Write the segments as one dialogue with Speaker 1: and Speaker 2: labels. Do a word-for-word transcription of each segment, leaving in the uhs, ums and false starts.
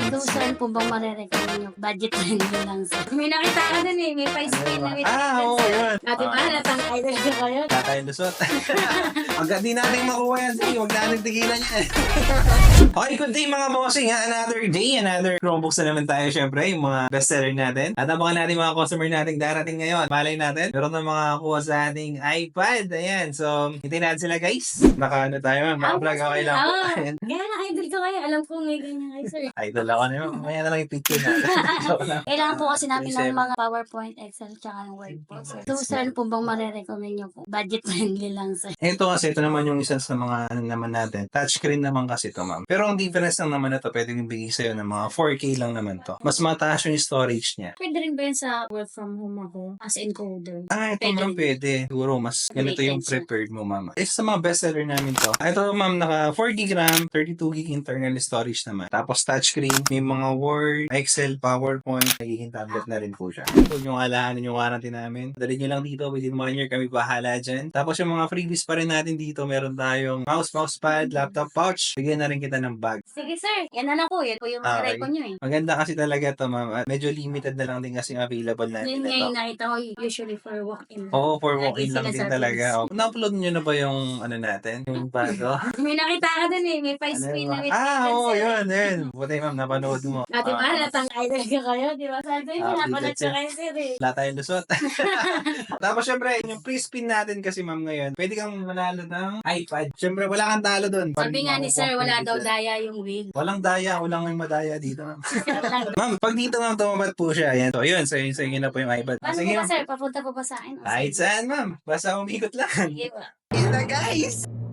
Speaker 1: So, saan po bang marerecommend nyo? Budget friendly lang sir. May nakita ka dun eh, may pa-spin na may
Speaker 2: Ah, oo, yun.
Speaker 1: Ate ba,
Speaker 2: Ah.
Speaker 1: natang idol ko kayo.
Speaker 2: Tatay lusot. Agad di natin makuha yan. Sige, huwag natin tigilan yan. Okay, good day mga bossing ha. Another day, another Chromebooks na naman tayo syempre. Yung mga bestseller natin. At abangan natin mga customer natin darating ngayon. Malay natin. Meron na mga kuha sa ating iPad. Ayan. So, hintayin natin sila guys. Naka ano tayo ma'am. Naka-vlog okay lang po.
Speaker 1: Ah,
Speaker 2: Ayan.
Speaker 1: kaya na-idol ko kayo. Alam ko may ganyan kayo sir.
Speaker 2: Idol ako na yun. Mamaya na lang yung picture natin. Joke lang.
Speaker 1: Kailangan po kasi namin ng
Speaker 2: twenty-seven.
Speaker 1: mga PowerPoint, Excel, tsaka ng Word po sir. So, saan po bang marerecommend nyo po? Budget friendly lang sir.
Speaker 2: Ito kasi, ito naman yung isa sa mga ano naman natin. Touchscreen naman kasi ito, ma'am. Pero ang difference lang naman na ito, pwede yung bigay sa'yo ng mga four K lang naman to. Mas mataas yung storage niya.
Speaker 1: Pwede rin ba yun sa work from home ako as encoder?
Speaker 2: Ah, ito
Speaker 1: Pwede
Speaker 2: ma'am,
Speaker 1: rin.
Speaker 2: pwede. Siguro, mas ganito yung
Speaker 1: Rated siya.
Speaker 2: prepared mo, ma'am. Eh, sa mga bestseller namin to. Ah, ito, ma'am, naka four gig RAM, thirty-two gig internal storage naman. Tapos touchscreen, may mga Word, Excel, PowerPoint, nagiging tablet na rin po siya. Huwag yung alahanin yung warranty namin. Dali nyo lang dito, within one year kami bahala dyan. Tapos yung mga freebies pa rin natin dito, meron tayong mouse, mousepad, laptop pouch. Bigyan na rin kita ng bag.
Speaker 1: Sige sir, yan na lang po. Yan po yung
Speaker 2: Ah,
Speaker 1: okay.
Speaker 2: okay.
Speaker 1: ko nyo eh.
Speaker 2: Maganda kasi talaga to, ma'am. At medyo limited na lang din kasi yung available natin
Speaker 1: Yun nga
Speaker 2: ito.
Speaker 1: yung nakita ko usually for walk-in.
Speaker 2: Oo, for
Speaker 1: Lagi
Speaker 2: walk-in lang
Speaker 1: sila
Speaker 2: din
Speaker 1: sa
Speaker 2: talaga.
Speaker 1: Face.
Speaker 2: Oh. Na-upload nyo na ba yung ano natin? Yung bago?
Speaker 1: May nakita ka dun eh, may
Speaker 2: Ano
Speaker 1: pa-spin na
Speaker 2: ba?
Speaker 1: may
Speaker 2: Ah,
Speaker 1: ticket,
Speaker 2: oo,
Speaker 1: sir.
Speaker 2: yun, yun. Buti ma'am, napanood mo.
Speaker 1: Ate ba,
Speaker 2: Ah,
Speaker 1: natang idol ko kayo, di ba? Sabi ko,
Speaker 2: Ah,
Speaker 1: napanood
Speaker 2: bigat
Speaker 1: ko kayo sir eh.
Speaker 2: wala tayong lusot. Tapos syempre, yung pre-spin natin kasi ma'am ngayon, pwede kang manalo ng iPad. Syempre, wala kang talo dun.
Speaker 1: Sabi nga ni sir, wala daw daya yung wheel.
Speaker 2: Walang daya, walang may madaya dito, ma'am. Ma'am, pag dito ma'am, tumapat po siya. Ayan, so yun, sa inyo, sa inyo na po yung iPad.
Speaker 1: Paano
Speaker 2: Sige,
Speaker 1: po ba
Speaker 2: ma'am.
Speaker 1: sir? Papunta po ba sa akin? O,
Speaker 2: Kahit
Speaker 1: sige.
Speaker 2: saan, ma'am. Basta umikot lang.
Speaker 1: Sige ba?
Speaker 2: Yan na, guys!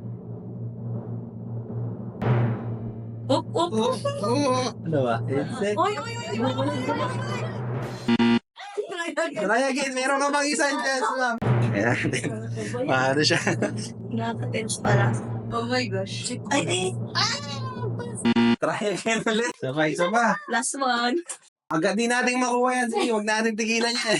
Speaker 1: Up, up, up.
Speaker 2: Ano ba? Headset?
Speaker 1: Oy, oy, oy, oy, oy, oy, oy.
Speaker 2: Try again, meron ka bang isang chance, ma'am? Ayan. Paano siya?
Speaker 1: Nakaka-tense pala. Oh my gosh. Ay, ay.
Speaker 2: Try again ulit. Sabay, sabay.
Speaker 1: Last one.
Speaker 2: Agad di natin makuha yan. Sige, huwag natin tigilan yan.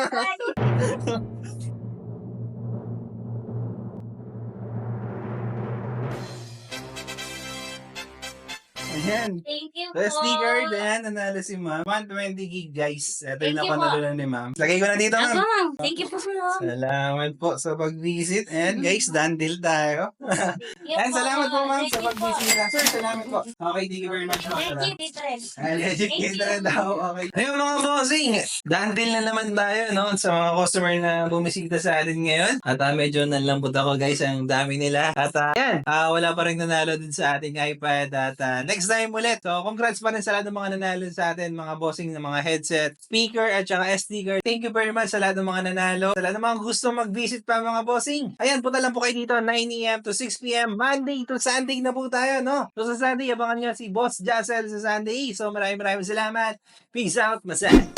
Speaker 2: Ayan.
Speaker 1: Thank you
Speaker 2: The
Speaker 1: po.
Speaker 2: sticker, ayan, nanalo si ma'am. one twenty gig, guys. Ito
Speaker 1: Thank
Speaker 2: yung
Speaker 1: you
Speaker 2: napanalunan ni ma'am. Lagay ko na dito,
Speaker 1: Ako,
Speaker 2: ma'am.
Speaker 1: ma'am. Thank you po, ma'am.
Speaker 2: Salamat po sa pag-visit. And guys, done deal tayo.
Speaker 1: Thank you
Speaker 2: And
Speaker 1: po.
Speaker 2: salamat po, ma'am,
Speaker 1: Thank
Speaker 2: sa
Speaker 1: you po.
Speaker 2: pag-visit. Sir, salamat po. Okay, thank you very much, ma'am.
Speaker 1: Thank you, Titren.
Speaker 2: Ay, legit
Speaker 1: Thank
Speaker 2: kita
Speaker 1: you.
Speaker 2: rin daw. Okay. Ayun mga bossing, done deal na naman tayo no, sa mga customer na bumisita sa atin ngayon. At uh, medyo nalambot ako guys, ang dami nila. At uh, yan, uh, wala pa rin nanalo din sa ating iPad. At uh, next time ulit. So congrats pa rin sa lahat ng mga nanalo sa atin, mga bossing ng mga headset, speaker at saka S D card. Thank you very much sa lahat ng mga nanalo. Sa lahat ng mga gusto mag-visit pa mga bossing. Ayan, punta lang po kayo dito nine a m to six p m Monday to Sunday na po tayo, no? So sa Sunday, abangan nyo si Boss Jassel sa Sunday. So maraming maraming salamat. Peace out, masay!